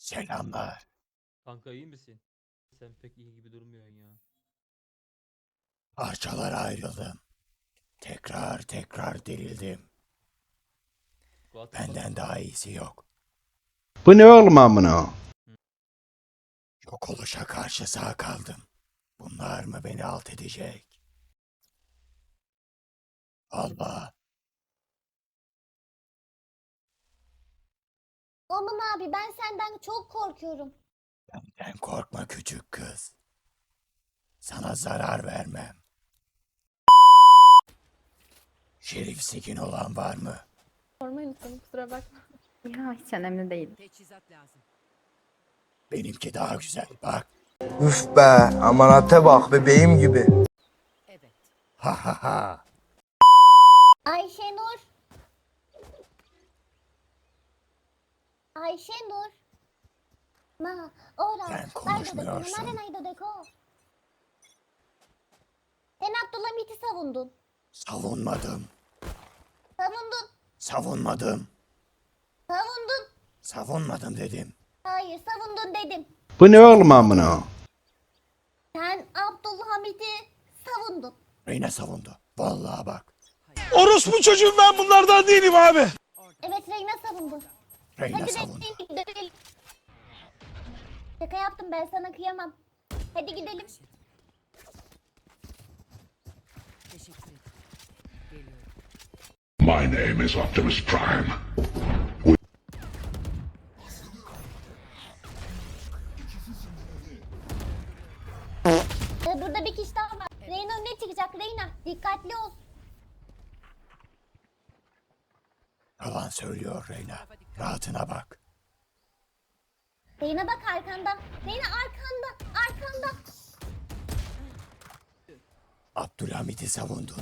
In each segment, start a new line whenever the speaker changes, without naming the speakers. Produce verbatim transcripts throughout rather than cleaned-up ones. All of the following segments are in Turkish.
Selamlar.
Kanka iyi misin? Sen pek iyi gibi durmuyorsun ya.
Parçalara ayrıldım. Tekrar tekrar dirildim.
Kuatın
Benden
bak-
daha iyisi yok.
Bu ne oğlum amına?
Yok oluşa karşı sağ kaldım. Bunlar mı beni alt edecek? Allah.
Aman abi ben senden çok korkuyorum.
Benden korkma küçük kız. Sana zarar vermem. Şerif sikin olan var mı?
Sorma insanım kusura bakma.
Ya hiç önemli değil.
Teçhizat lazım.
Benimki daha güzel bak.
Üf be, amanate bak bebeğim gibi.
Evet.
Ha ha ha.
Ayşenur. Ayşenur. Ma, ora.
Sen konuşmuyorsun.
Sen Abdülhamit'i savundun.
Savunmadım.
Savundun.
Savunmadım.
Savundun.
Savunmadım dedim.
Hayır savundun dedim.
Bu ne oğlum amına?
Sen Abdülhamit'i savundun.
Reyna savundu. Vallahi bak.
Orospu çocuğum, ben bunlardan değilim abi.
Evet Reyna savundu.
Reyna
Hadi
savundu.
gidelim. Şaka yaptım ben sana kıyamam. Hadi gidelim.
Teşekkür ederim. Geliyorum.
My name is Optimus Prime.
Ee, burada bir kişi daha var. Reyna önüne çıkacak Reyna. Dikkatli ol.
Yalan söylüyor Reyna. Rahatına bak.
Reyna bak arkanda. Reyna arkanda. Arkanda.
Abdülhamit'i savundun.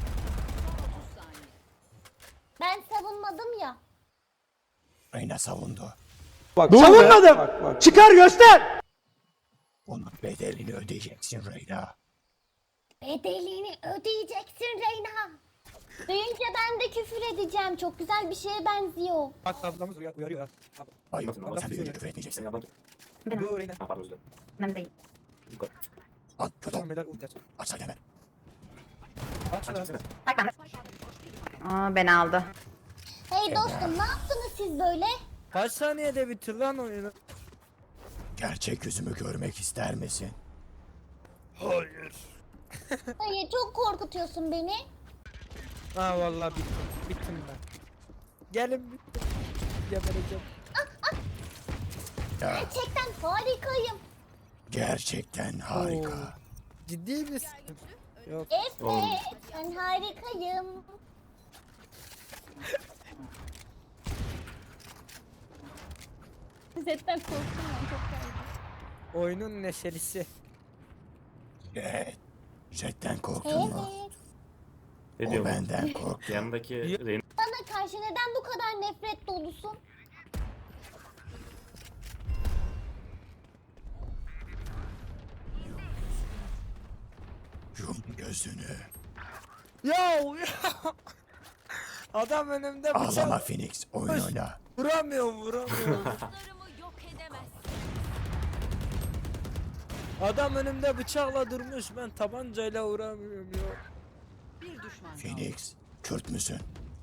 Ben savunmadım ya.
Reyna savundu.
Savunmadım. Çıkar göster.
Bunun bedelini ödeyeceksin Reyna.
Bedelini ödeyeceksin Reyna. Duyunca ben de küfür edeceğim. Çok güzel bir şeye benziyor.
Bak ablamız uyar, uyarıyor.
Hayır, sen de önce küfür etmeyeceksin.
Bu Reyna.
Önemli değil.
At kötü.
Tamam beyler ulti aç.
Aç hadi hemen.
Aç şunu.
Bak ben de. Aa beni aldı.
Hey dostum ne yaptınız siz böyle?
Kaç saniyede bitir lan oyunu?
Gerçek yüzümü görmek ister misin?
Hayır.
Hayır çok korkutuyorsun beni.
Ha vallahi bittim. Bittim ben. Gelin bittim. Gebereceğim.
Ya,
Gerçekten harikayım.
gerçekten harika.
Ciddi misin? Yok.
Evet ben harikayım.
Zetten korktum ben çok fazla.
Oyunun neşelisi.
Evet. Jetten korktun mu?
Evet.
O benden korktu.
Yanındaki Reyna
Bana karşı neden bu kadar nefret dolusun?
Yum gözünü.
Ya adam önümde bıçak.
Ağlama Phoenix. Oyun oyna.
Vuramıyorum vuramıyorum. Adam önümde bıçakla durmuş, ben tabancayla vuramıyorum ya.
Bir düşman kaldı.
Phoenix. Kürt müsün?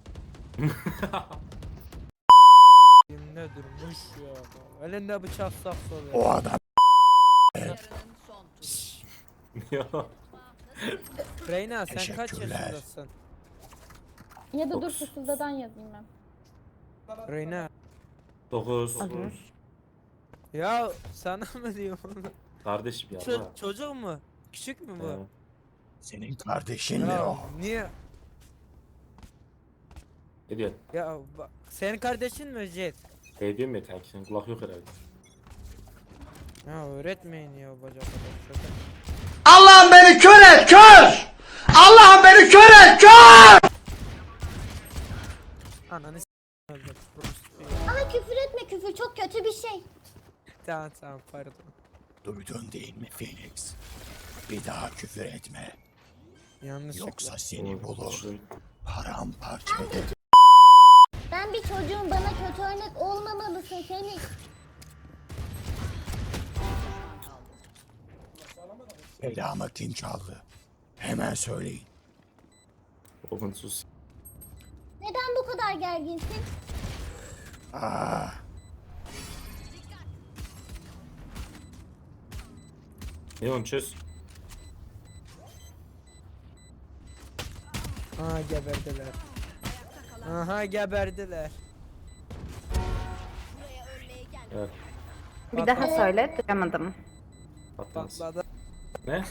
Elimde durmuş ya. Elinde bıçak saksı oluyor.
O adam.
Yarının son turu.
Reyna sen kaç
Teşekkürler.
yaşındasın?
Ya da dur fısıldadan yazayım ben.
Reyna.
dokuz.
Olur.
Ya sana mı diyorum?
Kardeşim ya.
Ço- çocuk mu? Küçük mü bu?
Ee,
Senin kardeşin mi
Ya
o?
niye?
Ne diyorsun?
Ya bak, senin kardeşin mi Jet?
Şey diyorum ya kanki, senin kulak yok herhalde.
Ya öğretmeyin ya bacak kadar.
Allah'ım beni kör et, kör! Allah'ım beni kör et, kör!
Ananı s*** öldüm.
Ama küfür etme küfür çok kötü bir şey.
Tamam tamam pardon.
Duydun değil mi Phoenix? Bir daha küfür etme.
Yanlışlıkla.
Yoksa seni bulur.
Şunun-
Paramparça eder.
Ben bir çocuğum bana kötü örnek olmamalısın Fenix.
Belamı kim çaldı? Hemen söyleyin.
Oğlum sus.
Neden bu kadar gerginsin?
Aa,
Neon çöz.
Aha geberdiler. Aha geberdiler.
Evet.
Bir daha söyle, duyamadım.
Patlamış.
Patladı.
Ne?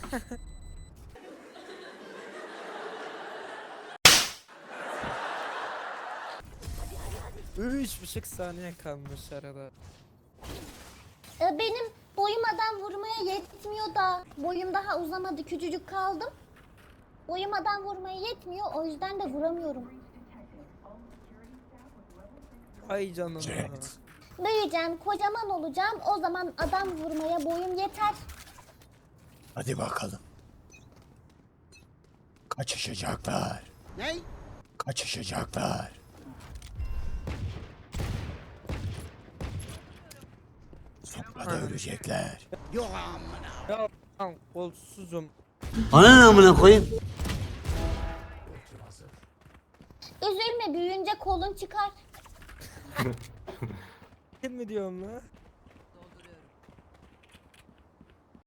Üç buçuk saniye kalmış arada.
Ee, benim boyum adam vurmaya yetmiyor da. Boyum daha uzamadı, küçücük kaldım. Boyum adam vurmaya yetmiyor, o yüzden de vuramıyorum.
Ay canım.
Jet.
Büyüyeceğim, kocaman olacağım. O zaman adam vurmaya boyum yeter.
Hadi bakalım. Kaçışacaklar.
Ne?
Kaçışacaklar. Sonra da ölecekler.
Ya lan kolsuzum.
Üzülme, büyüyünce kolun çıkar.
Kim mi diyorum lan?